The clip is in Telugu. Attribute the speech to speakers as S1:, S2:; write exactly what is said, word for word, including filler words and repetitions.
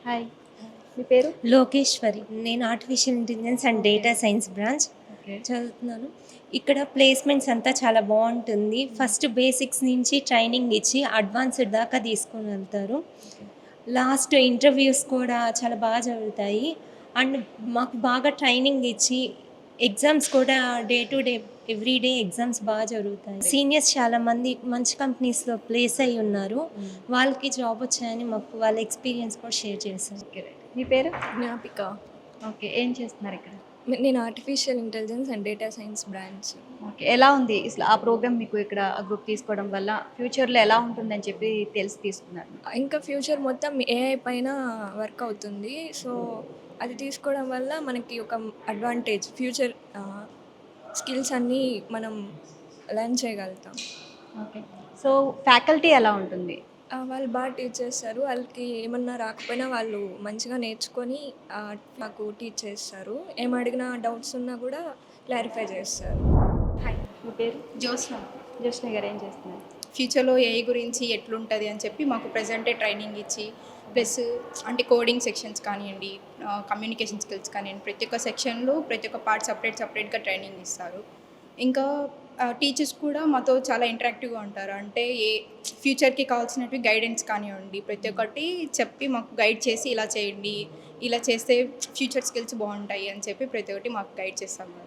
S1: హాయ్. మీ పేరు?
S2: లోకేశ్వరి. నేను artificial intelligence and
S1: okay.
S2: Data science branch
S1: okay.
S2: చదువుతున్నాను. ఇక్కడ ప్లేస్‌మెంట్స్ అంతా చాలా బావుంటుంది. ఫస్ట్ బేసిక్స్ నుంచి ట్రైనింగ్ ఇచ్చి అడ్వాన్స్‌డ్ దాకా తీసుకొని వెళ్తారు.
S1: ఓకే.
S2: లాస్ట్ ఇంటర్వ్యూస్ కూడా చాలా బాగా జరుగుతాయి. అండ్ మాకు బాగా ట్రైనింగ్ ఇచ్చి ఎగ్జామ్స్ కూడా day to day every day exams బాగా జరుగుతాయి. సీనియర్స్ చాలామంది మంచి కంపెనీస్‌లో ప్లేస్ అయ్యి ఉన్నారు.
S1: హ్మ్.
S2: వాళ్ళకి జాబ్ వచ్చాయని మాకు వాళ్ళ ఎక్స్‌పీరియన్స్ కూడా షేర్ చేశారు.
S1: ఓకే. రైట్. మీ పేరు?
S3: జ్ఞాపిక.
S1: ఓకే. ఏం చేస్తున్నారు ఇక్కడ?
S3: నే- నేను artificial intelligence and data science branch.
S1: Okay. ఎలా ఉంది ఇసలు ఆ ప్రోగ్రామ్ మీకు ఇక్కడ గ్రూప్ తీసుకోవడం వల్ల ఫ్యూచర్‌లో ఎలా ఉంటుందని చెప్పి తెలిసి తీసుకున్నారు?
S3: ఇంకా ఫ్యూచర్ మొత్తం ఏఐ పైన వర్క్ అవుతుంది. సో అది తీసుకోవడం వల్ల మనకి ఒక అడ్వాంటేజ్ ఫ్యూచర్ స్కిల్స్ అన్నీ మనం లర్న్ చేయగలుగుతాం.
S1: ఓకే. సో ఫ్యాకల్టీ ఎలా ఉంటుంది?
S3: ఆ, వాళ్ళు బాగా టీచ్ చేస్తారు. వాళ్ళకి ఏమన్నా రాకపోయినా వాళ్ళు మంచిగా నేర్చుకొని ఆ, మాకు టీచ్ చేస్తారు. ఏం అడిగినా డౌట్స్ ఉన్నా కూడా క్లారిఫై చేస్తారు.
S1: హాయ్. మీ పేరు?
S4: జోస్న
S1: జ్యోత్స్న గారు ఏం చేస్తున్నారు?
S4: ఫ్యూచర్లో ఏఐ గురించి ఎట్లుంటుంది అని చెప్పి మాకు ప్రజెంటే ట్రైనింగ్ ఇచ్చి ప్లస్ అంటే కోడింగ్ సెక్షన్స్ కానివ్వండి, కమ్యూనికేషన్ స్కిల్స్ కానివ్వండి, ప్రతి ఒక్క సెక్షన్లో ప్రతి ఒక్క పార్ట్ సపరేట్ సపరేట్గా ట్రైనింగ్ ఇస్తారు. ఇంకా టీచర్స్ కూడా మాతో చాలా ఇంటరాక్టివ్గా ఉంటారు. అంటే ఏ ఫ్యూచర్కి కావాల్సినవి గైడెన్స్ కానివ్వండి, ప్రతి ఒక్కటి చెప్పి మాకు గైడ్ చేసి ఇలా చేయండి, ఇలా చేస్తే ఫ్యూచర్ స్కిల్స్ బాగుంటాయి అని చెప్పి ప్రతి ఒక్కటి మాకు గైడ్ చేస్తాము.